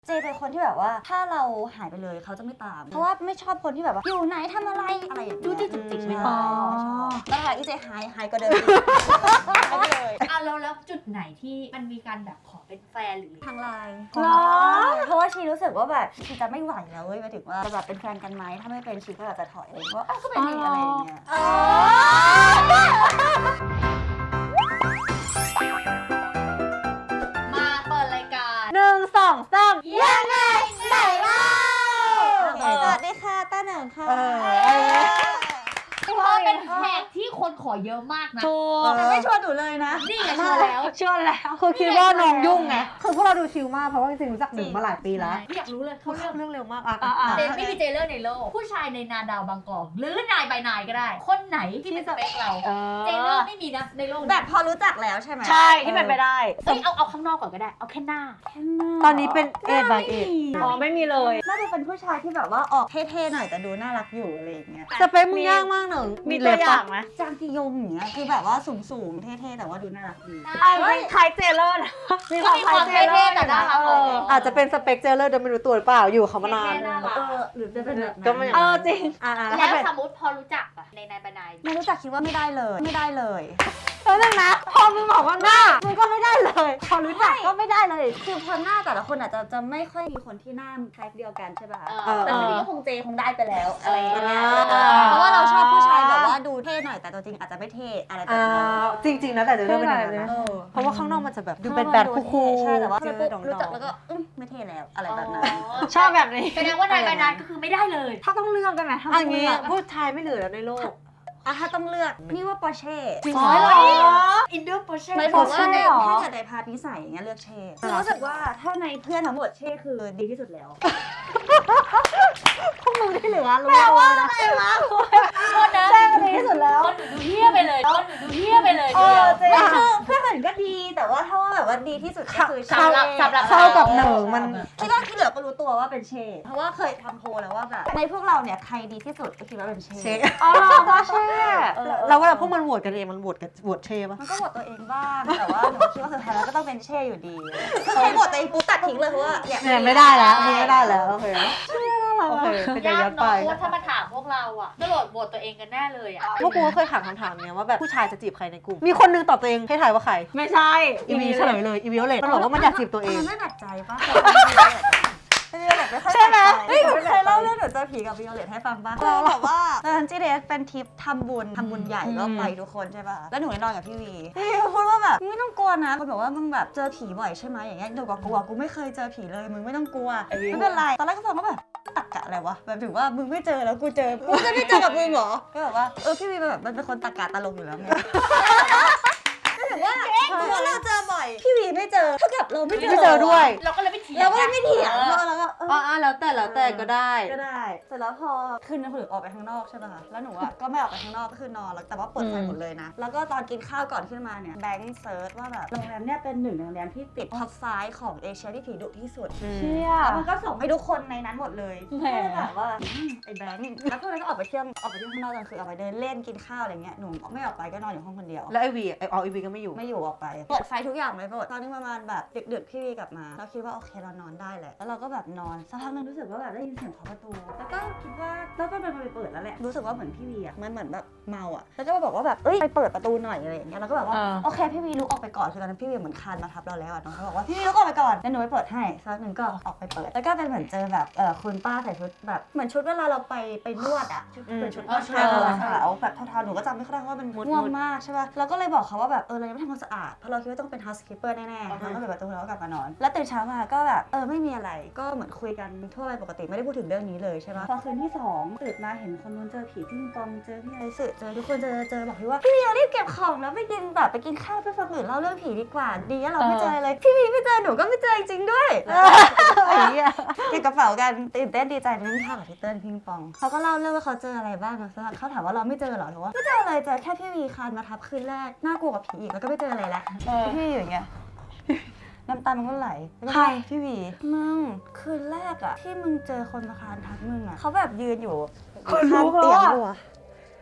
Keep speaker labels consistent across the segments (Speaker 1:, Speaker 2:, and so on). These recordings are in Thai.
Speaker 1: เจเป็นคนที่แบบว่าถ้าเราหายไปเลยเขาจะไม่ตามเพราะว่าไม่ชอบคนที่แบบว่าอยู่ไหนทำอะไรอะไรอย่างเงี้ยดูที่จุกจิกไม่ชอบแล้วค่ะอีเจหายก็เดินไปเลย
Speaker 2: แล้วจุดไหนที่มันมีการแบบขอเป็นแฟนหรือ
Speaker 1: ทางไลน์เพราะว่าชีรู้สึกว่าแบบชีจะไม่ไหวแล้วเว้ยหมายถึงว่าจะแบบเป็นแฟนกันไหมถ้าไม่เป็นชีก็อาจจะถอยเองว่าก็เป็นนี่อะไรอย่างเงี้ย
Speaker 2: มาเปิดรายการ
Speaker 1: 1 2 3
Speaker 2: ยังไงไหนเล่า
Speaker 1: สวัสดีค่ะต้าเหนิงค่ะ
Speaker 2: เพราะเป็นแขกที่คนขอเยอะมากนะ
Speaker 3: ถูก
Speaker 1: แต่ไม่ชวนหนูเลยนะ
Speaker 2: นี่ไงชวนแล้ว
Speaker 3: เชื่อแล้วคือคิดว่าน้องยุ่งไงคือพวกเราดูชิลมากเพราะว่าจริงๆรู้จักหนึ่งมาหลายปีแล้ว
Speaker 2: อยากรู้เลยเขา
Speaker 3: เขา
Speaker 2: เลือก
Speaker 3: เรื่องเร็วมากอ่ะ
Speaker 2: เจนไม่มีเจเลอร์ในโลกผู้ชายในนาดาวบางกอกหรือนายใบนายก็ได้ คนไหนที่เป็นสเปคเราเจเลอร์ไม่มีนะในโลก
Speaker 1: แบบพอรู้จักแล้วใช่ไหม
Speaker 3: ใช่ที่เป็นไปได้
Speaker 2: เอาข้างนอกก่อนก็ได้เอาแค่หน้า
Speaker 3: ตอนนี้เป็นเอ็ดบายเอ็ดอ๋อไม่มีเลย
Speaker 1: น่าจะเป็นผู้ชายที่แบบว่าออกเท่ๆหน่อยแต่ดูน่ารักอยู่อะไรอย่างเงี้ย
Speaker 3: สเปคมึงยากมากหนึ่ง
Speaker 1: มี
Speaker 3: เล็
Speaker 1: ตัว
Speaker 3: บ
Speaker 1: อย่า
Speaker 3: ปะ
Speaker 1: งไหมจางกียงอย่างเงี้ยคือแบบว่าสูงๆเท่ๆแต่ว่าดูน่ารักดี
Speaker 3: คล้ายเจเลอร์นะมีความคล้ายเจเลอร์
Speaker 2: แต่น่ารัก
Speaker 3: อาจจะเป็นสเปคเจเลอร์โดยไม่รู้ตัวหรือเปล่าอยู่เขามานาน
Speaker 1: หรือจะเป็นแบบนั้น
Speaker 3: ก็ไม่จริงแล้ว
Speaker 2: แล้ว
Speaker 3: เป็น
Speaker 2: สมมติพอรู้จักอะในนายใบนาย
Speaker 1: ไม่รู้จักคิดว่าไม่ได้เลยไม่ได้เลย
Speaker 3: แล้วนึงนะพอมึงบอกว่าหน้ามึงก็ไม่ได้เลยพอรู้จักก็ไม่ได้เลย
Speaker 1: คือพอหน้าแต่ละคนอาจจะไม่ค่อยมีคนที่หน้าคล้ายเดียวกันใช่ป่ะ
Speaker 3: เออ
Speaker 1: แต่ทีนี้ก็คงเจคงได้ไปแล้วอะไรอย่างเงี้ย
Speaker 3: เออ
Speaker 1: เพราะว่าเราชอบผู้ชายแบบว่าดูเท่หน่อยแต่ตัวจริงอาจจะไม่เท่อะไรแบบนั้น
Speaker 3: จริงๆนะแต่เจเลอร์เป็นอย่างนั้นนะ
Speaker 1: เออ
Speaker 3: เพราะว่าข้างนอกมันจะแบบดูเป็นแบดคูลๆ
Speaker 1: ใช่แต่ว่า
Speaker 3: เจอ
Speaker 1: ปุ๊บ
Speaker 3: ดอง
Speaker 1: รู้จักแล้วก็ไม่เท่แล้วอะไรแบบนั้น
Speaker 3: ชอบแบบนี้
Speaker 2: แสดงว่านายใบนายก็คือไม่ได้เลย
Speaker 1: ถ้าต้องเลือกได้ไหมถ้า
Speaker 3: อั
Speaker 1: ต้
Speaker 3: น
Speaker 1: อง
Speaker 3: นี้
Speaker 1: เลือก
Speaker 3: ผู้ชายไม่เหลือแล้วในโลก
Speaker 1: ถ้าต้องเลือกนี่ว่าปอร์เช่
Speaker 3: จริง
Speaker 1: อ๋
Speaker 3: เหรอ
Speaker 2: อินเดอร์โปรเช่
Speaker 1: ไม่บอกว่าใน
Speaker 3: เหรอ
Speaker 1: ถ้าเกิดในพาร์ทนิสัยอย่างเงี้ยเลือกเช่คือรู้สึกว่าถ้าในเพื่อนทั้งหมดเช่คือดีที่สุดแล้วพวกมึงที่เหลือรู้ตัวนะ
Speaker 2: โทษนะ
Speaker 1: เช่ดีที่สุดแล้ว
Speaker 2: คนหนูดูเฮี้ยไปเลยคนหนูดูเฮี้ยไปเลย
Speaker 3: เออจริง
Speaker 1: ไม่คือเพื่อนอื่นก็ดีแต่ว่าถ้าว่าแบบว่าดีที่สุดก็คือ
Speaker 2: สำหรับ
Speaker 3: เข้ากับหนึ่งมัน
Speaker 1: คิดว่าที่เหลือก็รู้ตัวว่าเป็นเช่เพราะว่าเคยทำโพลแล้วว่าแบบในพวกเราเนี่ยใครดีที่สุดก็คิดว่าเป็นเช่
Speaker 3: เช่
Speaker 1: อ๋อปอร์เช่
Speaker 3: แล้วเวลาพวกมันโหวตกันเองมันโหวตเช่ปะ
Speaker 1: มันก็โหวตตัวเองบ้างแต่ว่าหนูคิดว่าสุดท้ายแล้วก็ต้องเป็นเช่อยู่ดีคือใครโหวตตัวเองปุ๊บตัดทิ้งเลยเพราะว่าเนี่ย
Speaker 3: เนี่ยไม่ได้แล้วไม่ได้แล้วโอเคโอเคเป็นการ
Speaker 2: ยา
Speaker 3: ย้
Speaker 2: ก
Speaker 3: อนไป
Speaker 2: เนาะเพราะว่าถ้ามาถามพวกเราอะก็โหลดโหวตตัวเองกันแน่เลยอะ
Speaker 3: พวกกูก็เคยถามคำถามเนี้ยว่าแบบผู้ชายจะจีบใครในกลุ่มมีคนนึงตอบตัวเองให้ทายว่าใครไม่ใช่อีวีเฉลยเลยอีวีโอเลตมันบอกว่ามันอยากจีบตัวเอง
Speaker 1: มันไม่หนักใจป่ะวิโอเลตไม่ค่อยหนักใจเฮ้ยหนูเคยเล่าเรื่องหนูเจอผีกับวิโอเลตให้ฟังป่ะเราแบบว่าตอนจีเดสเป็นทริปทำบุญใหญ่ก็ไปทุกคนใช่ป่ะแล้วหนูนอนกับพี่วีพี่วีพูดว่าแบบไม่ต้องกลัวนะคนบอกว่ามึงแบบเจอผีบ่อยใช่ไหมอย่างเงี้ยหนูก็กลัวกูไม่เคยเจอผีเลยมึงไม่ต้องกลัวไม่เป็นไรตอนแรกก็ฟังว่าแบบตักกะอะไรวะแบบถือว่ามึงไม่เจอแล้วกูเจอกูจะไม่เจอกับมึงเหรอก็แบบว่าพี่วีแบบมันเป็นคนตักกะตลกอยู่แล้วไงถือว่าเพราะเราเจอบ่อยพี่วีไม่เจอเท่ากับเราไม่เจอ
Speaker 3: ด้วย
Speaker 2: เราก็เลยไม่เถียง
Speaker 1: เราก็ไม่เถียงแล้วก็
Speaker 3: อ๋อแล้วแต่ก็ได้
Speaker 1: ก็ได้เสร็จแล้วพอคืนนั้นผมออกไปข้างนอกใช่ป่ะคะแล้วหนูอ่ะก็ไม่ออกไปข้างนอกก็คือนอนแล้วแต่ว่าเปิดไฟหมดเลยนะแล้วก็ตอนกินข้าวก่อนขึ้นมาเนี่ยแบงค์เซิร์ชว่าแบบโรงแรมเนี่ยเป็นหนึ่งในโรงแรมที่ติดท็อป5ของเอเชียที่ผีดุที่สุด
Speaker 3: เชี่ย
Speaker 1: แล้วมันก็ส่งให้ทุกคนในนั้นหมดเลย
Speaker 3: แหม
Speaker 1: ก็เลยแบบว่าไอ้แบงค์แล้วพวกนั้นก็ออกไปเที่ยวข้างนอกกันคือออกไปเดินเล่นกินข้าวอะไรเงี้ยหนูไม่ออกไปก็นอนอยู่ห้องคนเดียว
Speaker 3: แล้วไอวีไอวีก็ไม่อยู่
Speaker 1: ไม่อยู่ออกไปเปิดไฟทุกอย่างเลยหมดตอนนี้ประมาณแบบดึกๆพี่วีกลับมาเราคิดว่าโอเคเรานอนได้แหละแล้วเราก็แบบนอนสักพักนึงรู้สึกว่าแบบได้ยินเสียงเคาะประตูแล้วก็คิดว่าแล้วก็ไปเปิดแล้วแหละรู้สึกว่าเหมือนพี่วีอ่ะมันเหมือนแบบเมาอ่ะแล้วก็มาบอกว่าแบบเอ้ยไปเปิดประตูหน่อยอะไรอย่างเงี้ยเราก็แบบว่าโอเคพี่วีลุกออกไปก่อนคือตอนนั้นพี่วีเหมือนคานมาทับเราแล้วอ่ะน้องเขาบอกว่าพี่วีลุกออกไปก่อนแล้วหนูไปเปิดให้สักหนึ่งก็ออกไปเปิดแล้วก็เป็นเหมือนเจอแบบคุณป้าใส่ชุดแบบเหมือนชุดเวลาเราไปนวดอ่ะเป็นชุดนวดขาวแบบเทาๆหนูก็จำไม่ค่อยได้ว่ามันม่วงมากใช่ป่ะเราก็เลยบอกเขาว่าแบบเรายังไม่ทำความสะอาดเพราะเราคิดว่าต้องเป็น housekeeper แน่ๆเราก็ปิดประตูแล้วก็กลับมานอนแล้วตื่นเช้ามาก็แบบไม่มีอะไรก็เหมือนคุยกันทั่วไปปกติไม่ได้พูดถึงเรื่องนี้เลยใช่ป่ะพอคืนที่2ตื่นมาเห็นคนนู้นเจอผีพี่ปิงปองเจอพี่ไอซ์เจอทุกคนเจอบอกพี่ว่าพี่วีรีบเก็บของแล้วไปกินข้าวไปฟังอื่นเล่าเรื่องผีดีกว่าดีแล้วเราไม่เจอเลยพี่วีไม่เจอหนูก็ไม่เจอจริงๆด้วยไอ้เหี้ยเก็บกระเป๋ากันตื่นเต้นดีใจนั่งข้าวกับพี่เติ้ลพิงปองเขาก็เล่าเรื่องว่าเขาเจออะไรบ้างนะเขาถามว่าเราไม่เจอหรอหรือว่าไม่เจอเลยเจอแค่พี่วีคานมาทับคืนแรกน่ากลัวกับผีอีกแล้วก็ไม่เจออะไรแล้วพี่อยู่อย่างเงี้ยน้ำตามันก็ไหลใครพี่วีมึงคืนแรกอะที่มึงเจอคนมาคานทับมึงอะเขาแบบยืนอยู่ข้างเตียงด้วย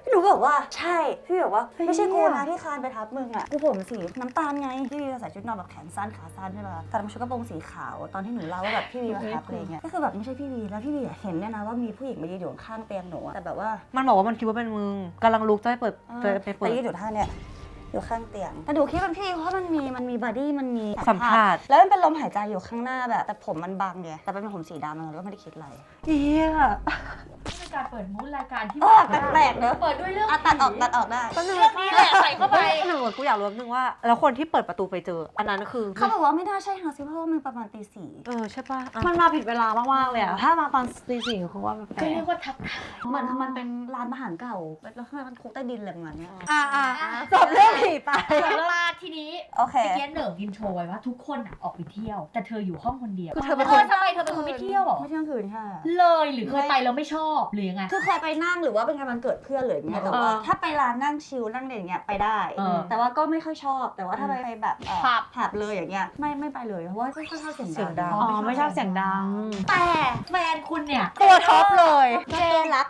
Speaker 1: หนูบอกว่าใช่พี่บอกว่าไม่ใช่กูนะที่คานไปทับมึงอ่ะกูผมสีน้ำตาลไงพี่วีใส่ชุดนอนแบบแขนสั้นขาสั้นใช่ป่ะแต่มันชุดกระโปรงสีขาวตอนที่หนูเล่าว่าแบบพี่วีมาทับอะไรเงี้ยก็คือแบบไม่ใช่พี่วีแล้วพี่วีเห็นเนี่ยนะว่ามีผู้หญิงมายืนอยู่ข้างเตียงหนูแต่แบบว่า
Speaker 3: มันบอกว่ามันคิดว่าเป็นมึงกำลังลุกจะไปเปิดไปเปิด
Speaker 1: แต่ยืนอยู่ท่าเนี่ยอยู่ข้างเตียงแต่หนูคิดว่าพี่เพราะมันมีบอดี้มันมี
Speaker 3: สัมผัส
Speaker 1: แล้วมันเป็นลมหายใจอยู่ข้างหน้าแบบแต่ผมมันบังไงแต่เป็นผมสีดำมันก็ไม่ได้คิดอะไร
Speaker 3: เหี้ย
Speaker 2: นี่เป็นการเปิดมูดรายการที่
Speaker 1: แปลกๆเนอะ
Speaker 2: เปิดด้วยเรื่อง
Speaker 1: ตัดออกได้
Speaker 2: เรื่องนี้แหละใส่เข้าไป
Speaker 3: หนึ่งกูอยากรู้นึงว่าแล้วคนที่เปิดประตูไปเจออันนั้นคือ
Speaker 1: เขาบอกว่าไม่น่าใช่ฮาซิเพราะว่ามันประมาณตี 4
Speaker 3: ใช่ป่ะ
Speaker 4: มันมาผิดเวลามากๆเลยอะถ้ามาตอนตี 4คือว่าแปล
Speaker 2: ก็
Speaker 4: ก
Speaker 2: เรียกว่าทักทาย
Speaker 1: เหมือนมันเป็นร้านอาหารเก่าแล้วข้างในมันคุกใต้ดินอะไรประมาณเนี้ย
Speaker 3: จบเรื่องผีไป
Speaker 2: มาทีนี้
Speaker 1: โอเค
Speaker 2: เมื่อกี้เหนิงอินโทรไว้ว่าทุกคนออกไปเที่ยว แต่เธออยู่ห้องคนเดียว
Speaker 3: คือเธอเป็น
Speaker 2: ทำไมเธอเป็นคนไม่เที่ยวหรอ
Speaker 1: ไม่เที่ยงคืนค่ะ
Speaker 2: เลยหรือเคยไปแล้วไม่ชอบหรือยังไง
Speaker 1: คือเคยไปนั่งหรือว่าเป็นงานวันเกิดเพื่อนหรืออย่างเงี้ยแต่ว่าถ้าไปร้านนั่งชิลนั่งอะไรอย่างเงี้ยไปได้ แต่ว่าก็ไม่ค่อยชอบแต่ว่าถ้าไปแบบผับเลยอย่างเงี้ยไม่ไปเลยเพราะว่าไม่ค่อยชอบเสียงดัง
Speaker 4: อ๋อไม่ชอบเสียงดัง
Speaker 2: แต่แฟนคุณเนี่ย
Speaker 3: ตัวท็อปเลย
Speaker 1: เจรัก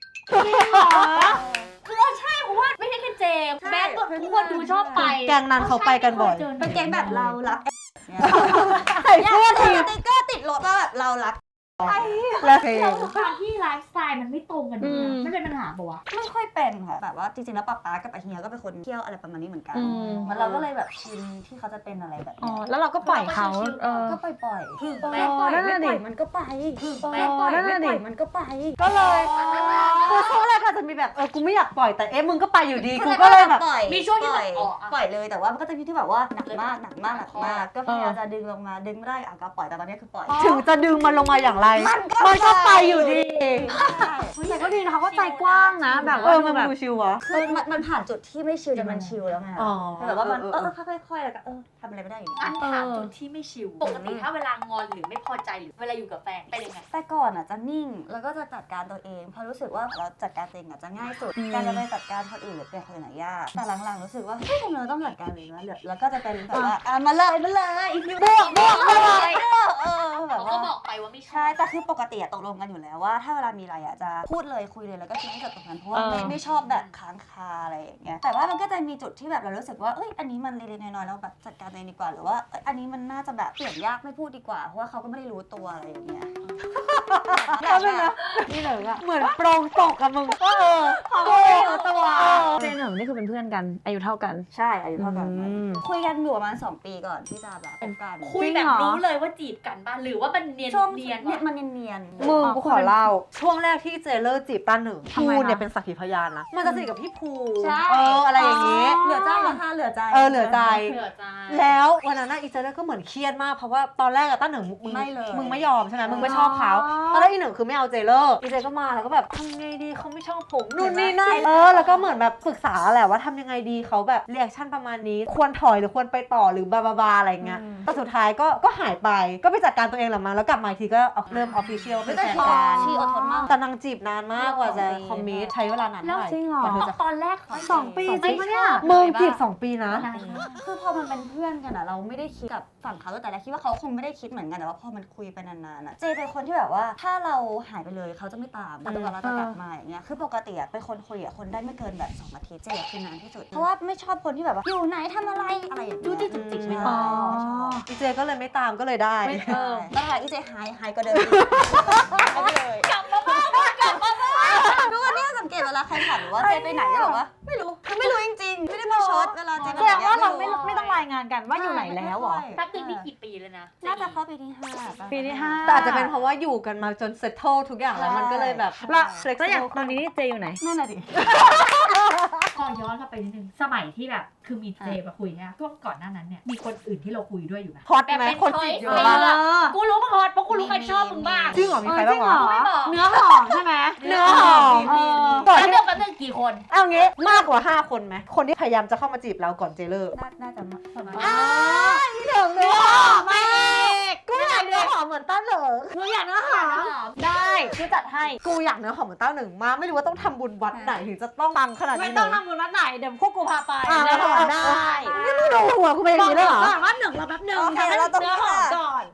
Speaker 2: คือใช่เพราะว่าไม่ใช่แค่เจมส์แม้ทุกคนดูชอบไป
Speaker 3: แกงนั้นเขาไปกันบ่อย
Speaker 1: เป็นแก๊งแบบเรารัก
Speaker 3: ใส่เสื้อที
Speaker 1: สติ๊กเกอร์ติดรถว่าแบบเรารัก
Speaker 3: แล้วเพล
Speaker 2: เรา
Speaker 3: ง
Speaker 2: ทุกครั้งที่ไลฟ์สไตล์มันไม่ตรงกันเนี่ยไม่เป็นปัญหาปะวะ
Speaker 1: ไม่ค่อยเป็นค่ะแบบว่าจริงๆแล้วป๊ากับอาเฮียก็เป็นคนเที่ยวอะไรประมาณนี้เหมือนกัน
Speaker 4: อืม
Speaker 1: มันเราก็เลยแบบชินที่เขาจะเป็นอะไรแบบ
Speaker 4: อ๋อ
Speaker 1: นี้
Speaker 4: แล้วเราก็ปล่อยเขา
Speaker 1: ก็ปล่อย
Speaker 2: ถึง
Speaker 1: ปล่
Speaker 2: แม้ปล่อย
Speaker 4: นั่น
Speaker 1: ไม่
Speaker 4: น่ะ
Speaker 1: ป
Speaker 4: ดิ
Speaker 1: ล่อยมันก็ไป
Speaker 2: แม้
Speaker 1: ปล่อย
Speaker 4: นั่น
Speaker 1: ไม่
Speaker 4: น่ะ
Speaker 1: ป
Speaker 4: ดิ
Speaker 1: ล่อยมันก็ไป
Speaker 3: ก็เลยคือช่วงแรกอาจจะมีแบบกูไม่อยากปล่อยแต่มึงก็ไปอยู่ดีกูก็เลยแบบ
Speaker 1: ปล่อย
Speaker 2: มีช่วงที่
Speaker 1: ป
Speaker 2: แบ
Speaker 1: ล่อย
Speaker 2: บอ๋อ
Speaker 1: ปล่อยเลยแต่ว่ามันก็จะมีที่แบบว่าหนักมากก็พยายามจะดึงลงมาดึงไม่ได้ก็ปล่อยแต่ตอนนี้คือปล่อย
Speaker 3: ถึงจะดึงมันลงมาอย่างไร มันก็ไปอยู่ดี
Speaker 4: แต่ก็ดีนะเขาก็ใจกว้างนะ แบบว่า
Speaker 3: มัน
Speaker 4: แบบ
Speaker 3: ดูชิวอะ
Speaker 1: คือมันผ่านจุดที่ไม่ชิลจนมันชิลแล้วไง
Speaker 3: อ๋อ
Speaker 1: แบบว่ามันค่อยๆแล้วก็ทำอะไรไม่ได้อยู่ดี
Speaker 2: อันถามจุดที่ไม่ชิลปกติถ้าเวลางอนหรือไม่พอใจหรือเวลาอยู่กับแฟนเป็นยังไง
Speaker 1: แต่ก่อนจะนิ่งแล้วก็จะจัดการตัวเองเพราะรู้สึกว่าเราจัดการตัวเองจะง่ายสุดการจะไปจัดการคนอื่นหรือเป็นคนอื่นยากแต่หลังๆรู้สึกว่าเฮ้ยทำไมเราต้องจัดการเองวะแล้วก็จะเป็นแบบว่ามาเลยอีกนิดบวกแบบ
Speaker 2: เขาก็
Speaker 1: ว่า
Speaker 2: บอกไปว่าไม่ชอ
Speaker 1: ใช่
Speaker 2: บ
Speaker 1: แต่คือปกติตกลงกันอยู่แล้วว่าถ้าเวลามีอะไรจะพูดเลยคุยเลยแล้วก็คิดให้จบตรงนั้นเพราะว่าไม่ชอบแบบค้างคาอะไรอย่างเงี้ยแต่ว่ามันก็จะมีจุดที่แบบเรารู้สึกว่าเอ้ยอันนี้มันเล็กๆน้อยๆเราแบบจัดการตัวเองดีกว่าหรือว่าอันนี้มันน่าจะแบบเปลี่ยนยากไม่พูดดีกว่าเพราะว่าเขาก็ไม่ได้รู้ตัวอะไรอย่างเงี้ย
Speaker 3: แล้วเป็นนะนี่เลยอะเหมือนโปรงตกกับมึงก็ตัว
Speaker 4: เจนหนึ่งนี่คือเป็นเพื่อนกัน อายุเท่ากัน
Speaker 1: ใช่อายุเท่ากัน
Speaker 4: อืม
Speaker 1: คุยกันอยู่ประมาณ2 ปีก่อนที่จะแบบเป็นกัน
Speaker 2: คุยแบบรู้เลยว่าจีบกันบ้างหรือว่ามันเนียน
Speaker 1: ช่วง
Speaker 2: เนียน
Speaker 1: เนี่ยมันเนียนๆ
Speaker 3: มึงกูขอเล่าช่วงแรกที่เจเลอร์จีบหนึ่ง
Speaker 4: ทำไม
Speaker 3: ภู
Speaker 4: คะ
Speaker 3: เนี่ยเป็นสักขีพยานนะมันจะสนิทกับพี่ภู
Speaker 1: ใช่
Speaker 3: อะไรอย่างงี้
Speaker 1: เหลือใจนะคะเหลือใจ
Speaker 3: เหลือใจ
Speaker 2: เผื่อใจ
Speaker 3: แล้ววันนั้นอีเจเลอร์ก็เหมือนเครียดมากเพราะว่าตอนแรกตั้งหนึ่งมึง
Speaker 1: ไม่เลย
Speaker 3: มึงไม่ยอมใช่ไหมมึงไม่ชอบเขาตอนแรกอีหนึ่งคือไม่เอาเจเลอร์อีเจก็มาแล้วก็แบบทำไงดีเขาไม่ชอบผมนู่นนี่นั่นแล้วก็เหมือนแบบปรึกษาแหละว่าทำยังไงดีเขาแบบเรีแอคชั่นประมาณนี้ควรถอยหรือควรไปต่อหรือบาบาอะไรเงี้ยแต่สุดท้ายก็หายไปก็ไปจัดการตัวเองแหละมาแล้วกลับมาอีกทีก็เริ่มออฟฟิเชียลเป็นแฟนกัน
Speaker 1: ชีอดทนมาก
Speaker 3: แต่นางจีบนานมากกว่าจะคอมมิตใช้เวลานาน
Speaker 2: แล้
Speaker 3: เท่าว ไหร่
Speaker 4: จริงเหรอ
Speaker 3: กว่าเธอจะ
Speaker 2: ตอนแรก
Speaker 4: 2 ปีจริงปะเนี่ย
Speaker 3: มึงจีบ2 ปีนะ
Speaker 1: คือพอมันเป็นเพื่อนกันอะเราไม่ได้คิดกับฝั่งเขาแต่แรกคิดว่าเขาคงไม่ได้คิดเหมือนกันแต่ว่าพอมันคุยไปนานๆอะเจเป็นคนที่แบบว่าถ้าเราหายไปเลยเขาจะไม่ตามแต่ตัวเราจะกลับมาอย่างเงี้ยคือปกติอะเป็นคนคุยกับคนได้ไม่เกินแบบ2 อาทิตย์เจคือนานที่สุดเพราะว่าไม่ชอบคนที่แบบว่าอยู่ไหนทำอะไรอะไรอย่างเงี้ย
Speaker 2: จู้จี้จุกจิกไม่
Speaker 1: อ๋อ
Speaker 3: อีเจก็เลยไม่ตามก็เลยได้
Speaker 1: แล้วหายอีเจหายก็เดินหายไปเลย
Speaker 2: กลับมาบ้านกลับมาบ้าน
Speaker 1: ทุกวันนี้สังเกตเวลาใครถามว่าเจไปไหนก็บอกว่าไม่รู้คือไม่รู้จริงๆไม่ได้มาช็อตเวลาเจไป
Speaker 4: แส
Speaker 1: ไหน
Speaker 4: ดงว่าเราไม่ต้องรายงานกันว่าอยู่ไหนแล้วเหรอ
Speaker 2: แป๊บนึงนี่กี่ปีแล้วนะ
Speaker 1: น่าจะเข้าปีที่5
Speaker 4: ปีที่ 5
Speaker 3: แต่อาจจะเป็นเพราะว่าอยู่กันมาจนเซตเทิลทุกอย่างแล้วมันก็เลยแบบ
Speaker 4: แล้วอย่างตอนนี้เจอยู่ไหน
Speaker 1: นั่นแหละดิ
Speaker 2: ขอย้อนกลับไปนิดนึงสมัยที่แบบคือมีเจมาคุยเนี่ยช่วงก่อนหน้านั้นเนี่ยมีคนอื่นที่เราคุยด้วยอยู่ไหม
Speaker 3: ฮอต
Speaker 2: แบบ
Speaker 3: ไหม
Speaker 2: เป็น
Speaker 3: คนจีบอยู่
Speaker 2: ช้อยส์
Speaker 3: บ้าง
Speaker 2: เลยอะกูรู้มาฮอตเพราะกูรู้ใครชอบมึงบ้าง
Speaker 3: จริงเหรอมีใครบ้างวะ
Speaker 2: ไม่บอก
Speaker 4: เนื้อหอมใช่ไหม
Speaker 3: เนื้อหอม
Speaker 2: แป๊บนึงแป๊บนึงกี่คน
Speaker 3: เอางี้มากกว่า5 คนไหมคนที่พยายามจะเข้ามาจีบเราก่อนเจเลอร์
Speaker 1: น่าจะประมาณ
Speaker 3: นี่เนื้อหอมมากกูอยากเนื้อหอมเหมือนต้าเหนิง
Speaker 4: หนูอยากเนื้อหอมได้คือจัดให้
Speaker 3: กูอยากเนื้อหอมเหมือนต้าเหนิงมากไม่รู้ว่าต้องทำบุญวัดไหนถึงจะต้องปังขนาด
Speaker 4: ไม่
Speaker 3: นี้
Speaker 4: ต้อง
Speaker 3: เลย
Speaker 4: ทำบุญวัดไหนเดี๋ยวพวกกูพาไป
Speaker 3: เนื้อหอมได้นี่ไม่ดูหัวกูเป็นอย่างนี้เลยเหรอ
Speaker 4: บอกว่า1เราแป๊บนึง
Speaker 1: โอเคเราต้อง
Speaker 4: เนื้อหอมก่อน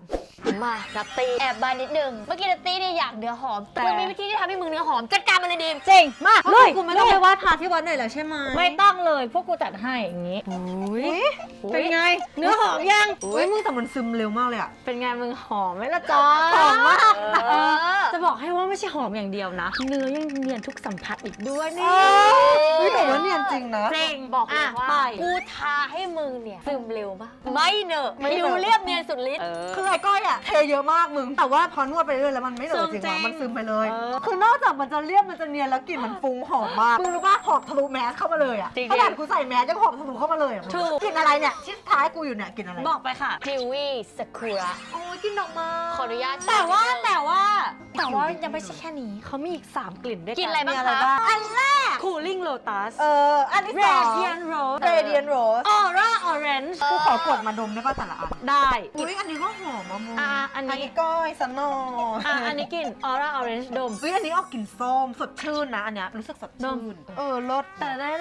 Speaker 4: มานัตตี้แอบบายนิดนึงเมื่อกี้นัตตี้เนี่ยอยากเนื้อหอมมึงมีวิธีที่ทำให้มึงเนื้อหอมจัดการมันเลยดิมจริงมา
Speaker 3: เลยกูไม่ต้องไปวาดพาที่วัดหน่อยแล้วใช่ไหม
Speaker 4: ไม่ต้องเลยพวกกูจัดให้อย่างงี้
Speaker 3: เป็นไงเนื้อหอมยังอุ้ยมึงแต่มันซึมเร็วมากเลยอะ
Speaker 4: เป็นไงมึงหอมไหมล่ะจ๊ะ
Speaker 3: หอมมาก
Speaker 4: จะบอกให้ว่าไม่ใช่หอมอย่างเดียวนะ เนื้อยังเนียนทุกสัมผัสอีกด้วยนี่
Speaker 3: นี่แต่ว่าเนียนจริงนะ
Speaker 4: จริงบอกเลยว่ากูทาให้มึงเนี่ยซึมเร็วมากไม่เนอะผิวเรียบเนียนสุดฤทธิ์
Speaker 3: คือไอ้ก้อยอะเทเยอะมากมึงแต่ว่าพอนวดไปเรื่อยแล้วมันไม่เหลือจริงว่ะมันซึมไปเลยคือนอกจากมันจะเรียบมันจะเนียนแล้วกลิ่นมันฟุ้งหอมมากมึงรู้ป่ะหอมทะลุแมสเข้ามาเลยอะขนาดกูใส่แมสยังหอมทะลุเข้ามาเลยอะกลิ่นอะไรเนี่ยชิดท้ายกูอยู่เนี่ยกลิ่นอะไร
Speaker 4: บอกไปค่ะพิวี่สกุระ
Speaker 3: โอ้ยกลิ่นดอกไม้
Speaker 4: ขออนุญาตแต่ว่ายังไม่ใช่แค่นี้เขามีอีก 3 กลิ่นด้วยกัน
Speaker 3: กินอะไรบ้างคะอันแรก
Speaker 4: Cooling Lotus
Speaker 3: อันที่สอง
Speaker 4: Radiant Rose
Speaker 3: Radiant Rose
Speaker 4: Aura Orange
Speaker 3: กูขอกดมาดมได้ป่ะแต่ละอัน
Speaker 4: ได้
Speaker 3: อุ้ยอันนี้ก็หอมอะมึง
Speaker 4: อันนี้
Speaker 3: ก้อยสนอ
Speaker 4: อันนี้กลิ่น Aura Orange ดม
Speaker 3: อุ้ยอันนี้ออกกลิ่นส้มสดชื่นนะอันเนี้ยรู้สึกสดชื่นรสแต่ได้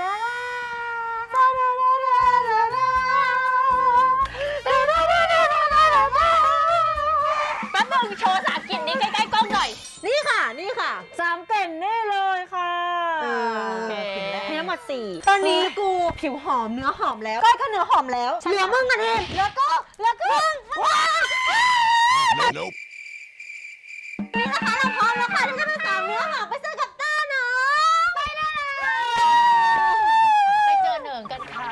Speaker 4: แป๊บนึงโชว์3 กลิ่นนี้ใกล้ๆกล้องหน่อย
Speaker 3: นี่ค่ะ
Speaker 4: 3 กลิ่นนี่เลยค่ะ
Speaker 3: โอเค
Speaker 4: มีทั้งหมด 4
Speaker 3: ตอนนี้กูผิวหอมเนื้อหอมแล้วก้อยก็เนื้อหอมแล้วเหลือมึงกันเองแล้วก็ว้าว
Speaker 5: Nope.
Speaker 3: นี่นะคะเราพร้อมแล้วค่ะที่จะไปสาวเนื้อหอมไปซื้อกับต้าเนาะไปเลย
Speaker 4: ไปเจอเหนิงกันค่ะ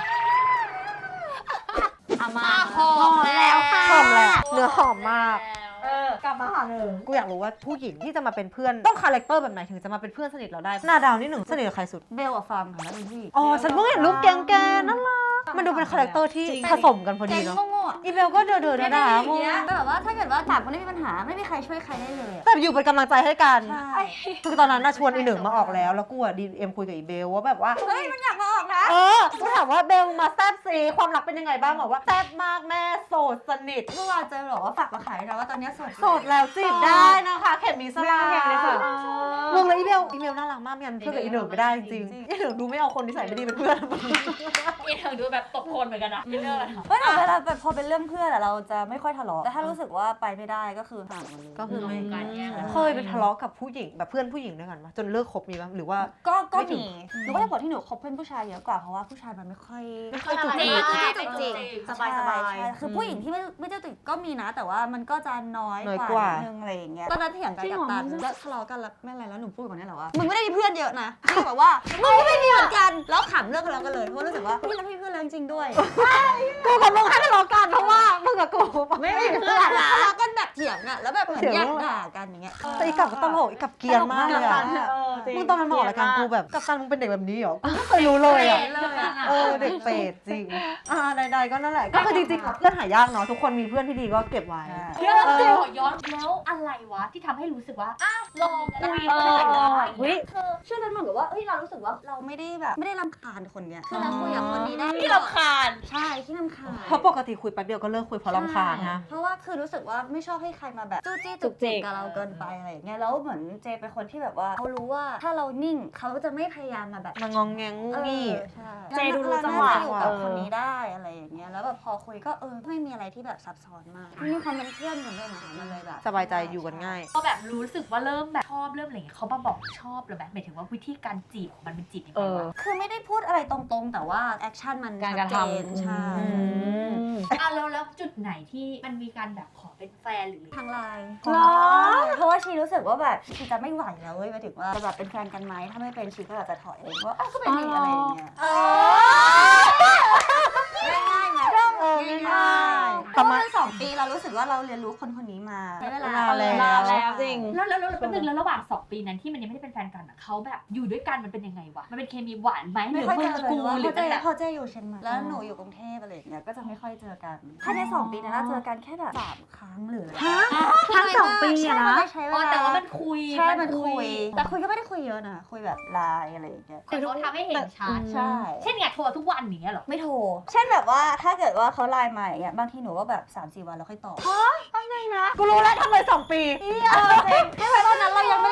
Speaker 4: เอามา
Speaker 2: หอมแล้วค่ะ
Speaker 3: หอมแล้วเนื้อหอมมาก
Speaker 1: กลับมาหาหนึ่ง
Speaker 3: กูอยากรู้ว่าผู้หญิงที่จะมาเป็นเพื่อนต้องคาแรคเตอร์แบบไหนถึงจะมาเป็นเพื่อนสนิทเราได้หน้าดาวนี่หนึ่งสนิทกับใครสุด
Speaker 1: เบลกับฟาร์มค่ะแล้วเป็นพี่
Speaker 3: อ๋อฉันเพิ่งเห็นรูปแกงน่ารักมันดูเป็นคาแรคเตอร์ที่ผสมกันพอ
Speaker 1: แก
Speaker 3: ดี
Speaker 1: ง
Speaker 3: เนาะ
Speaker 1: โง่ๆอะ
Speaker 3: อีเบลก็เดินๆด่าๆ
Speaker 1: อย่างเงี้ยแบบว่าถ้าเกิดว่าสามคนไม่มีปัญหาไม่มีใครช่วยใครได้เลยอะ
Speaker 3: แต่อยู่เป็นกำลังใจให้กัน
Speaker 1: ใช่
Speaker 3: คือตอนนั้นน่ะชวนอีหนึ่งมาออกแล้วกูอะดีเอ็มคุยกับอีเบลว่าแบบว่า
Speaker 1: เฮ้ยมันอยากมาออกนะ
Speaker 3: กูถามว่าเบลมาแซบซีความรักเป็นยังไงบ้างบอกว่าแซบมากแม่โสดสนิท
Speaker 1: เมื่อวานเจอบอกว่าฝากมาขายนะว่าตอนนี้โสด
Speaker 3: โสดแล้วจีบได้นะคะเข็มมีสลา
Speaker 4: เข็มมีสลา
Speaker 3: มึงเลยอีเมลน่ารักมากมันเพื่อนกับอีหนึ่งไม่ได้จริงๆอีหนึ่งดูไม่เอาคนนิสัยไม่ดีเป็นเพื่อน
Speaker 2: อีเธอดูแบบตบโคนเหมือนกันนะไม่เลิก
Speaker 1: เฮ้ยแต่เวลาแบบพอเป็นเรื่องเพื่อนอะเราจะไม่ค่อยทะเลาะแต่ถ้ารู้สึกว่าไปไม่ได้ก็คือห่างกันเลย
Speaker 3: ก็คือไม่
Speaker 2: กันเนี่ย
Speaker 3: เคยไปทะเลาะกับผู้หญิงแบบเพื่อนผู้หญิงด้วยกันปะจนเลิกคบมีปะหรือว่า
Speaker 1: ก็
Speaker 3: ไม่ถึ
Speaker 1: มี
Speaker 3: ง
Speaker 1: หนูก็จะบอกที่หนูคบเพื่อนผู้ชายเยอะกว่าเพราะว่าผู้ชายมันไม่ค่อย
Speaker 3: จุก
Speaker 2: จริ
Speaker 3: จิ
Speaker 2: ง
Speaker 3: ก
Speaker 2: เป็นจริง
Speaker 1: สบายสบายคือผู้หญิงที่ไม่เจ้าติดก็มีนะ แต่ว่ามันก็จะน้อย
Speaker 3: น้อย
Speaker 1: ก
Speaker 3: กว่า
Speaker 1: ว่านิดนึงอะไรอย่างเงี้ยตอนนั้นเถียงกันกับตันแล้วทะเลาะกันแล้วไม่อะไรแล้วหนูพูดกับเนี่ยแหละว่ามึงไม่ได้มีเพื่อนเยอะนะพี่แบบว่ามึงก็ไม่มีเหมือนกันแล้วขำเลิกกันแล้วกันเลยเพราะรู้สึกว่าพี่แล้วพี่เพื่อนแล้วจริงๆด้วย
Speaker 3: กูกับมึงแค่ทะเลาะกันเพราะว่ามึงกับกูไม่มี
Speaker 1: เพื่อนทะเลาะกันแบบเถียงอะแล้วแบบเหมือนแยกด่ากันอย่างเงี้ย
Speaker 3: แต่อีกับก็ตลกอีกับเกรียนมากเลยอะมึงตอนมันมาออกรายการกูแบบกับตันมึงเป็นเด็กแบบนี้เหรอกูไม่เคยรู้เลยอะ เด็กเปรตจริงใดๆก็นั่นแหละก็คือจริงๆเพื่อนหายากเนาะทุกคนมีเพื่อนที่ดีก็เก็บไว้
Speaker 2: เรื่องขอย้อนแล้วอะไรวะที่ทำให้รู้สึกว่าอ้าวลองคุยกันได้
Speaker 1: คือช่วงนั้นเหมือนกับว่าเอ้ยเรารู้สึกว่าเราไม่ได้แบบไม่ได้รำคาญคนเนี้ยคือเราคุยกับคนนี้ได้
Speaker 2: ที่รำคาญ
Speaker 1: ใช่ที่รำคาญ
Speaker 3: เพราะปกติคุยแป๊บเดียวก็เลิกคุยเพราะรำคาญนะ
Speaker 1: เพราะว่าคือรู้สึกว่าไม่ชอบให้ใครมาแบบจู้จี้จุกจิกกับเราเกินไปอะไรอย่างเงี้ยแล้วเหมือนเจเป็นคนที่แบบว่าเขารู้ว่าถ้าเรานิ่งเขาจะไม่พยายามมาแบบ
Speaker 3: มางองแงงงูงี้
Speaker 1: ใช่
Speaker 4: เจดูรู้จังหวะ
Speaker 1: เราน่าอยู่กับคนนี้ได้อะไรอย่างเงี้ยแล้วแบบพอคุยก็ไม่มีอะไรที่แบบซับซ้อนมากมีความเป็นเพื่อนกันด้วยนะคะมันเลยแบบ
Speaker 3: สบายใจอยู่กันง่าย
Speaker 2: ก็แบบรู้สึกว่าเริ่มแบบชอบเริ่มอะไรอย่างเงี้ยเขามาบอกชอบหรือแบบหมายถึงว่าวิธีการจีบของมันเป็นจีบยังไงวะ
Speaker 1: คือไม่ได้พูดอะไรตรงๆ แต่ว่าแอคชั่นมัน
Speaker 4: การ
Speaker 1: ชัด
Speaker 4: กระ
Speaker 1: เจ
Speaker 4: ทำ
Speaker 1: นใช่
Speaker 2: แล้วจุดไหนที่มันมีการแบบขอเป็นแฟนหรือ
Speaker 1: ทางไลน์
Speaker 4: หรอ
Speaker 1: เพราะว่าชีรู้สึกว่าแบบชีจะไม่ไหวแล้วเว้ยหมายถึงว่าจะแบบเป็นแฟนกันไหมถ้าไม่เป็นชีก็อาจจะถอยเองว่าก็เป็นนี่อะไรอย่างเงี้ยง่ายๆไหมง่ายๆเพราะว่า2 ปีเรารู้สึกว่าเราเรียนรู้คนนี้มาใช้เวลา
Speaker 4: แล้วจริง
Speaker 2: แล้วแป๊บนึงแล้วระหว่าง2 ปีนั้นที่มันยังไม่ได้เป็นแฟนกันอะเขาแบบอยู่ด้วยกันมันเป็นยังไงวะมันเป็นเคมีหวานไหมห
Speaker 1: ไม่
Speaker 2: รือ
Speaker 1: ค่อย
Speaker 2: มึ
Speaker 1: เจ
Speaker 2: ง
Speaker 1: อเลย
Speaker 2: กู
Speaker 1: ว่า
Speaker 2: หรือมันแบบ
Speaker 1: เขาเจอยู่เชียงใหม่แล้วหนูอยู่กรุงเทพอะไรอย่างเงี้ยก็จะไม่ค่อยเจอกันภายใน2 ปีนั้นเราเจอกันแค่แบบ3 ครั้งหรืออะไร
Speaker 4: ทั้ง2 ปีอะนะ
Speaker 1: ใช่
Speaker 2: อ๋อ
Speaker 1: มัน
Speaker 2: แต่
Speaker 1: ได้
Speaker 2: ว่า
Speaker 1: ใช้เวลา
Speaker 2: มันคุย
Speaker 1: ใช่มันคุยแต่คุยก็ไม่ได้คุยเยอะนะคุยแบบไลน์อะไรอย่างเงี้ย
Speaker 2: แต่เขาทำให้เห็นชัด
Speaker 1: ใช่
Speaker 2: เช่นไงโทรทุกวันอย่างเงี้ยเหรอ
Speaker 1: ไม่โทรเช่นแบบว่าถ้าเกิดว่าเขาไลน์มาอย่างเงี้ยบางทีหนูก็แบบ 3-4 วันแล้วค่อยตอบ
Speaker 3: กูรู้แล้วทำไม2 ปี
Speaker 1: จริงแค่เพราะตอนนั้นเรายังไม่รู้สึกว่า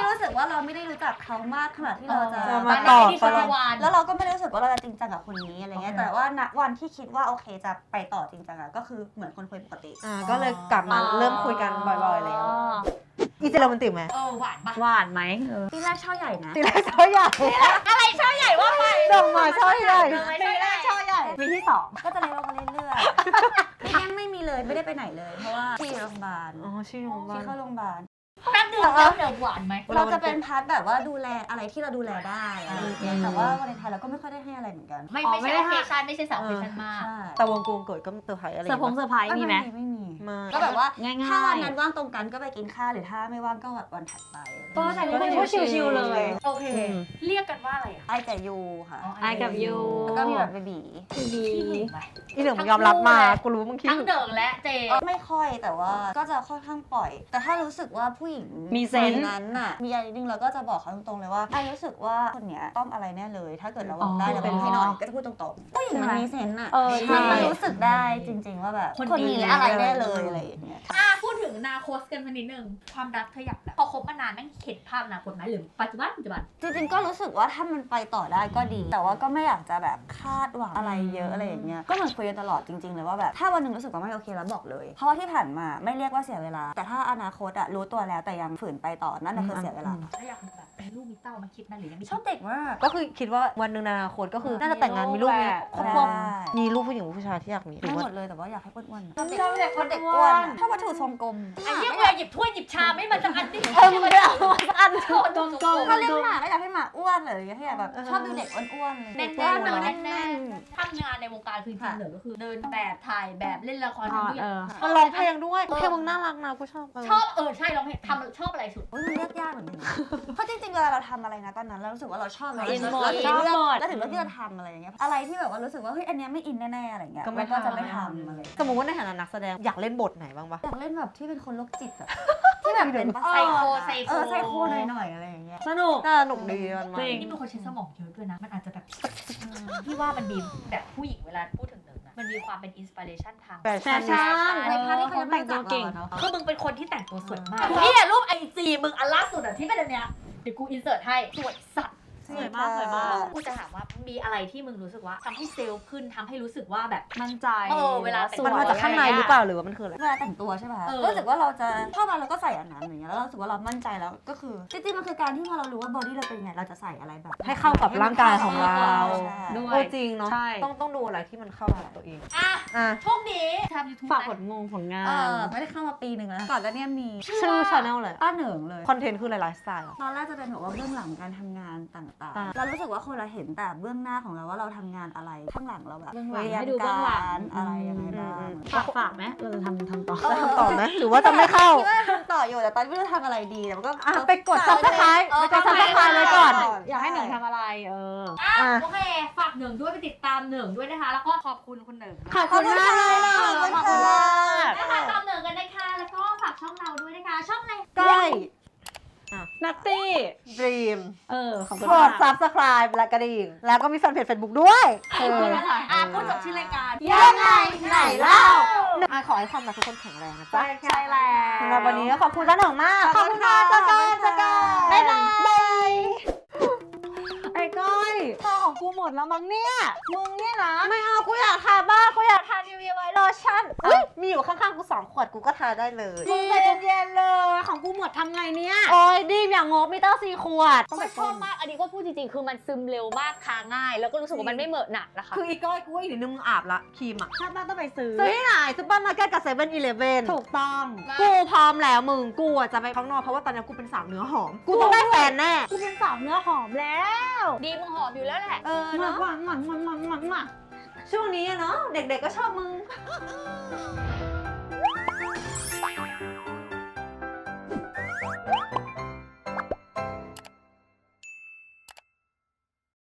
Speaker 1: ว่าเราไม่ได้รู้จักเขามากขนาดที่เราจะ
Speaker 3: จะ
Speaker 2: มา
Speaker 3: มา
Speaker 2: ต่
Speaker 3: ต่
Speaker 2: อ
Speaker 3: อ
Speaker 2: ที่
Speaker 3: กั
Speaker 2: จั
Speaker 3: น
Speaker 2: กรวาล
Speaker 1: แล้วเราก็ไม่ได้รู้สึกว่าเราจะจริงจังกับคนนี้อะไรเงี้ย แต่ว่าณวันที่คิดว่าโอเคจะไปต่อจริงจังอะก็คือเหมือนคนคุยปกติ
Speaker 3: ก็เลยกลับมาเริ่มคุยกันบ่อยๆแล้ว อีเจโรแมนติกไหม
Speaker 2: หวานปะ
Speaker 4: หวานไหม
Speaker 1: ที่แรกช่อใหญ่นะ
Speaker 3: ตีแรกช่อใหญ่
Speaker 4: อะไรช่อใหญ่ว่าไป
Speaker 3: ดอกไม้ช่อใหญ่
Speaker 4: ตีแรกช่อใหญ่
Speaker 1: ปีที่ 2 ก็จะเล็กลงมาเรื่อยๆที่ยังไม่มีเลยไม่ได้ไปไหนเลย เพราะว่าที่โรงพยาบาล
Speaker 3: อ๋อชื่อโรงพยาบา
Speaker 1: ที่
Speaker 3: ล
Speaker 1: เข้าโรงพยาบาล
Speaker 2: แป๊บนึงแล้วเดี๋ยวหวานไหม
Speaker 1: เราจะเป็นพาร์ทแบบว่าดูแลอะไรที่เราดูแลได้อะไรอย่างเงี้ยแต่ว่าวาเลนไทน์เราก็ไม่ค่อยได้ให้อะไรเหมือนกัน
Speaker 2: ไม่ใช่โอเคชั่นไม่ใช่สาวโอเคชั่นมาก
Speaker 1: ใช่
Speaker 3: แต่วงกลมเกิดก็เซอร์ไพรส์อะไร
Speaker 4: เซอร์ไพรส์มีไหม
Speaker 1: ไม่มี
Speaker 3: มา
Speaker 1: ก็แบบว่า
Speaker 4: ง่ายๆ
Speaker 1: ถ้าวันนั้นว่างตรงกันก็ไปกินข้าวหรือถ้าไม่ว่างก็แบบวันถัดไป
Speaker 4: ก็แต่นี่เป็นผู้ชิวๆเลย
Speaker 2: โอเค เรียกกันว่าอะไรอ่ะ
Speaker 1: ไอกับยูค่ะ
Speaker 4: ไอกับยู
Speaker 1: แล้วก็มีแบบเบบี
Speaker 4: ดี
Speaker 2: ขี้หึงไหม
Speaker 3: อีเหลืองยอมรับมา กูรู้มึงคิด
Speaker 2: ทั้งเดิงและเจ
Speaker 1: ไม่ค่อยแต่ว่าก็จะค่อนข้างปล่อย แต่ถ้ารู้สึกว่าผู้หญิง
Speaker 4: มีเซนส์
Speaker 1: คนนั้นน่ะมีอะไรนิดนึงเราก็จะบอกเขาตรงๆเลยว่าไอรู้สึกว่าคนเนี้ยต้องอะไรแน่เลย ถ้าเกิดเราบอกได้แล้วเป็นให้หน่อยก็จะพูดตรงๆผู้หญิงมันมีเซนส์อ่ะ
Speaker 3: ใช่
Speaker 1: มันรู้สึกได้จริง ๆ ว่าแบบคนนี้อะไรแน่เลยอะไรอย่างเงี้ย
Speaker 2: พูดถึงอนาคตกันมานิดนึงความรักเธออยากแบบพอคบมานานแม่งเข็ดภาพอนาคตไหมหรือปัจจุบัน
Speaker 1: จริงๆก็รู้สึกว่าถ้ามันไปต่อได้ก็ดี แต่ว่าก็ไม่อยากจะแบบคาดหวังอะไรเยอะอะไรอย่างเงี้ยก็เหมือนคุยกันตลอดจริงๆเลยว่าแบบถ้าวันหนึ่งรู้สึกว่าไม่โอเคแล้วบอกเลยเพราะว่าที่ผ่านมาไม่เรียกว่าเสียเวลา แต่ถ้าอนาคตอะรู้ตัวแล้วแต่ยังฝืนไปต่อนั่นน่ะคือเสียเวลา
Speaker 2: ถ้าอยากแบบมีลูกมีเต้ามาคิดนะหรือยังไม่
Speaker 1: ชอบเด็กมาก
Speaker 3: ก็คือคิดว่าวันหนึ่งในอนาคตก็คือน่าจะแต่งงานมีลูกมีครอบครัว
Speaker 1: ใช่
Speaker 3: มีลูกผู้หญิงผู้ชายที่อยากมีหรื
Speaker 1: ไม่
Speaker 3: อว่า
Speaker 1: หมดเลยแต่ว่าอยากให้อ้วนๆ
Speaker 4: ชอบเด็ก
Speaker 1: เด็กอ้วนอะชอบวัตถุทรงกลม
Speaker 2: ไอ้เหี้ยเวลาหยิบถ้วยหยิบชามไม่มันจะอันนี้
Speaker 3: มึงไม่เอาอัน
Speaker 2: ตรงกลม
Speaker 1: ถ้าเลี้ยงหมาก็อยากให้หมาอ้วนเลยอยากให้แบบชอบดูเด็กอ้วนๆ
Speaker 2: แน่น
Speaker 1: เด็ก
Speaker 2: ๆ
Speaker 1: อ้วน
Speaker 2: แน่นๆทำงานในวงการคือจริงๆเหนือก็คือเดินแบบถ่ายแบบเล่นละครทำทุกอย่าง
Speaker 3: มันร้องเพลงด้วยเพลงมึงน่ารักนะกูชอบ
Speaker 2: ชอบใช่ร้องเพลงทำชอบอะไรสุด
Speaker 1: มันเลือกยากเหมือนกันนะเพราะจริงๆเวลาเราทำอะไรนะตอนนั้นเรารู้สึกว่าเราชอบ
Speaker 4: อินหมด
Speaker 1: เราถึงเลื
Speaker 4: ชอบหม
Speaker 1: อก
Speaker 4: ด
Speaker 1: แล้วถึงเลือกที่จะทำอะไรอย่างเงี้ยอะไรที่แบบว่ารู้สึกว่าเฮ้ยอันเนี้ยไม่อินแน่ๆอะไรเงี้ยมันก็จะไม่ทำอะไร
Speaker 3: สมมติว่าในฐานะนักแสดงอยากเล่นบทไหนบ้างปะ
Speaker 1: อยากเล่นแบบที่เป็นคนโรคจิตอะที่แบบเป็นประ
Speaker 2: ไซ
Speaker 1: สาท
Speaker 2: โค
Speaker 1: อะ
Speaker 2: ไซโค
Speaker 1: ไซโคหน่อยๆอะไรอย่างเงี้ย
Speaker 4: สนุก
Speaker 3: น่าสนุกดีมัน
Speaker 4: จริง
Speaker 2: นี่เป็นคนใช้สมองเยอะด้วยนะ มันอาจจะแบบพี่ว่ามันดีแบบผู้หญิงเวลาพูดถึงหนึ่งอะมันมีความเป็นอินสปิเรชันทาง
Speaker 3: แฟ
Speaker 4: แฟ
Speaker 3: ชั่น
Speaker 4: ชั่น
Speaker 1: ในพาร์ทที่เขายังไม่รู้จัก
Speaker 4: แต่งตัวเก่ง
Speaker 1: เราอะเนาะ
Speaker 2: คือมึงเป็นคนที่แต่งตัวสวยมากนี่อะรูปไอจีมึงอันล่าสุดอะที่เป็นอันเนี้ยเดี๋ยวกูอินเสิร์ตให้สวยสัตว์
Speaker 4: สวยมากสวยมาก
Speaker 2: กูจะถามว่ามีอะไรที่มึงรู้สึกว่าทำให้เซลล์ขึ้นทำให้รู้สึกว่าแบบ
Speaker 4: มั่นใจ
Speaker 2: เวลาแต่ง
Speaker 3: มันมาจากข้างในหรือเปล่าหรือว่ามันคืออะไร
Speaker 1: เวลาแต่งตัวใช่ป่ะ
Speaker 2: เออ
Speaker 1: ก็รู้สึกว่าเราจะชอบอะไรเราก็ใส่อันนั้นอย่างเงี้ยแล้วเรารู้สึกว่าเรามั่นใจแล้วก็คือจริงๆมันคือการที่พอเรารู้ว่าบอดี้เราเป็นยังไงเราจะใส่อะไรแบบ
Speaker 3: ให้เข้ากับร่างกายของเรา
Speaker 1: ใช่
Speaker 4: ด้วย
Speaker 3: โอ้จริงเนาะ
Speaker 4: ใช่
Speaker 3: ต้องดูอะไรที่มันเข้ากับตัวเอง
Speaker 2: อ่ะ
Speaker 3: อ่ะ
Speaker 2: ช่วงนี้ทำยูทูบ
Speaker 4: ฝากผลงาน
Speaker 1: ไม่ได้เข้ามาปีหนึ่งแล้วก่อนแล้วเนี่ยมี
Speaker 3: ชื่อชาแนลเลย
Speaker 1: ต้าเหนิงเลย
Speaker 3: คอนเทนต์คืออะไรไลฟ์สไตล์
Speaker 1: ตอนแรกจะเป็นแบบว่าเบื้องหลังการทำงานต่าง
Speaker 3: อ่า
Speaker 1: ๆ เรารู้สึกว่าคนเราเห็นแต่เบื้องหน้าของเราว่าเราทำงานอะไร ข้างหลังเราแบบ
Speaker 4: เบื้องหลัง
Speaker 1: เรียน
Speaker 4: ให้ดูเบื้องหลัง
Speaker 1: การอะไรยังไงบ้าง
Speaker 4: ฝากไหมเราจะทำต่อ
Speaker 3: จะทำต่อไหมหรือว่าจะไม่เข้า
Speaker 1: คิดว่าทำต่ออยู่แต่ตอนนี้ไม่รู้ทำอะไรดีแต่มันก็
Speaker 3: อ่ะไปกด subscribe ไปกด subscribe ไว้ก่อน
Speaker 4: อยากให้หนึ่งทำอะไร
Speaker 3: อ่ะ
Speaker 2: โอเค ฝากหนึ่งด้วยไปติดตามหนึ่งด้วยนะคะ แล้วก็ขอบคุณคุณหนึ่ง
Speaker 3: ขอบคุณมากเลยล่ะ
Speaker 1: ขอบคุณ
Speaker 3: ขอบคุณ
Speaker 1: ค่ะ
Speaker 3: มาก
Speaker 2: นะคะตามหนึ่งกันนะคะแล้วก็ฝากช่องเราด้วยนะคะ ช่องอะไร
Speaker 3: ใกล้
Speaker 4: นัตตี้
Speaker 3: Dream
Speaker 4: ขอบคุณ
Speaker 3: ก
Speaker 4: มา
Speaker 3: ด
Speaker 4: ก
Speaker 3: subscribe และกระดิ่ง แล้วก็มีแฟนเพจ Facebook ด้วยเออ
Speaker 2: พูดจบชื่อรายการ
Speaker 1: ยังไงไหนเล่า
Speaker 3: อ่ะขอให้ความรักทุกคนแข็งแรงนะจ๊ะ
Speaker 4: ใช่แล้ว
Speaker 3: สำหรับวันนี้ก็ขอบคุณจ้าหนึ่งมาก
Speaker 1: ขอบคุณค่ะ
Speaker 3: เจอกันเจอกัน
Speaker 1: บ๊ายบาย
Speaker 3: ไอ้ก้อย
Speaker 4: ข้าวของกูหมดแล้วมั้งเนี่ย มึงเนี่ยนะ
Speaker 3: ไม่เอากูอยากทาบ้างกูอยากทานิวเวียไวท์โลชั่นเฮ้ยมีอยู่ข้างๆกู2 ขวดกูก็ทาได้เลย
Speaker 4: มึงใจเย็นๆเลย ของกูหมดทำไงเนี่ย
Speaker 3: โอ้ยดีมอย่างงบมีตั้ง4 ขวด
Speaker 4: ก็ชอบมาก อันนี้ก็พูดจริงๆ คือมันซึมเร็วมากทาง่าย แล้วก็รู้สึกว่ามันไม่เหมอะหนักนะคะ
Speaker 3: คืออีก้อยกูว่าอีกนิดนึงมึงอาบละครีมอ่ะ
Speaker 4: ชาติหน้าต้องไปซื้อ
Speaker 3: ซื้อที่ไหนซุปเปอร์มาร์เก็ตกับเซเว่นอีเลฟเว่น
Speaker 4: ถูกต้อง
Speaker 3: กูพร้อมแล้วมึงกูอ่ะจะไปข้างนอกเพราะว่าตอนนี้กูเป็นสาวเนื้อหอม กูต้องได้แฟนแน่
Speaker 4: กูเป็นสาวเนื้อหอมแล้ว ดีมึงหอมอยู่แล้วแหละ
Speaker 3: เออ
Speaker 4: หมั
Speaker 3: เนาะ
Speaker 4: กหมักหมักหมักหมักหมัก
Speaker 3: ช่วงนี้อะเนาะเด็กๆก็ชอบมึง